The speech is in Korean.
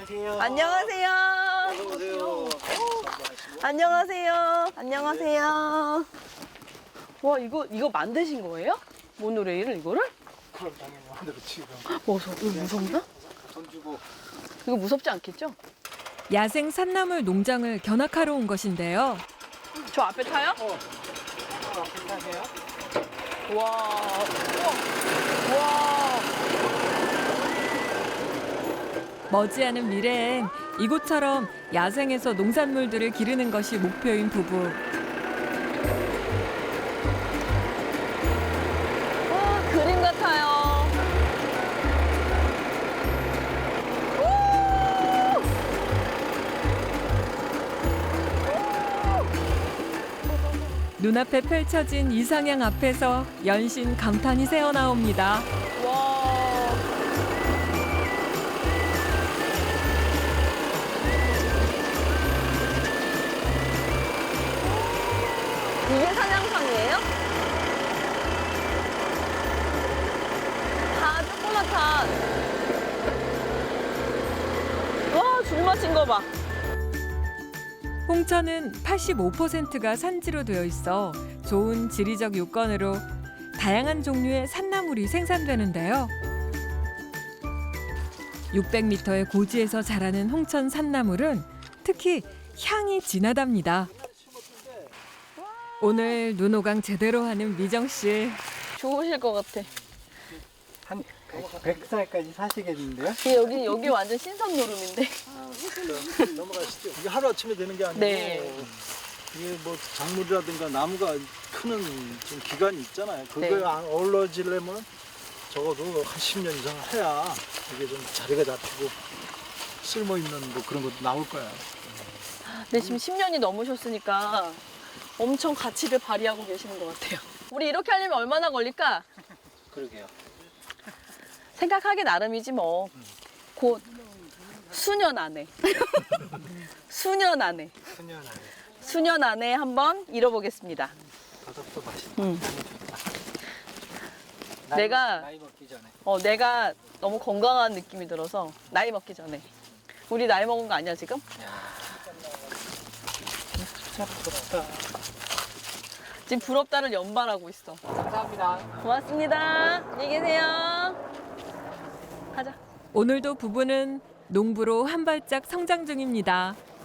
안녕하세요. 안녕하세요. 어서오세요. 안녕하세요. 안녕하세요. 와, 이거 만드신 거예요? 모노레일을 이거를? 그럼 당연히 만들었지. 이거 무섭나? 돈 주고. 이거 무섭지 않겠죠? 야생 산나물 농장을 견학하러 온 것인데요. 저 앞에 타요? 괜찮으세요? 와. 와. 머지않은 미래엔 이곳처럼 야생에서 농산물들을 기르는 것이 목표인 부부. 와, 그림 같아요. 눈앞에 펼쳐진 이상향 앞에서 연신 감탄이 새어나옵니다. 와. 이게 산양삼이에요? 다 조그맣다. 와, 줄 맞힌 거 봐. 홍천은 85%가 산지로 되어 있어 좋은 지리적 요건으로 다양한 종류의 산나물이 생산되는데요. 600m의 고지에서 자라는 홍천 산나물은 특히 향이 진하답니다. 오늘 눈호강 제대로 하는 미정 씨. 좋으실 것 같아. 한 100살까지 사시겠는데요? 여기 완전 신선 노름인데. 넘어가시죠. 이게 하루 아침에 되는 게 아니고 네. 이게 뭐 작물이라든가 나무가 크는 좀 기간이 있잖아요. 그거에 네. 어우러지려면 적어도 한 10년 이상 해야 이게 좀 자리가 잡히고 쓸모 있는 뭐 그런 것도 나올 거야. 네, 지금 10년이 넘으셨으니까 엄청 가치를 발휘하고 계시는 것 같아요. 우리 이렇게 하려면 얼마나 걸릴까? 그러게요. 생각하기 나름이지 뭐. 곧 수년 안에. 수년 안에. 순연하게. 수년 안에 한번 이뤄보겠습니다. 바닥도 맛있다. 음. 나이 내가 먹기 전에. 내가 너무 건강한 느낌이 들어서 나이 먹기 전에. 우리 나이 먹은 거 아니야 지금? 진짜 부럽다. 지금 부럽다를 연발하고 있어. 감사합니다. 고맙습니다. 안녕히 계세요. 가자. 오늘도 부부는 농부로 한 발짝 성장 중입니다.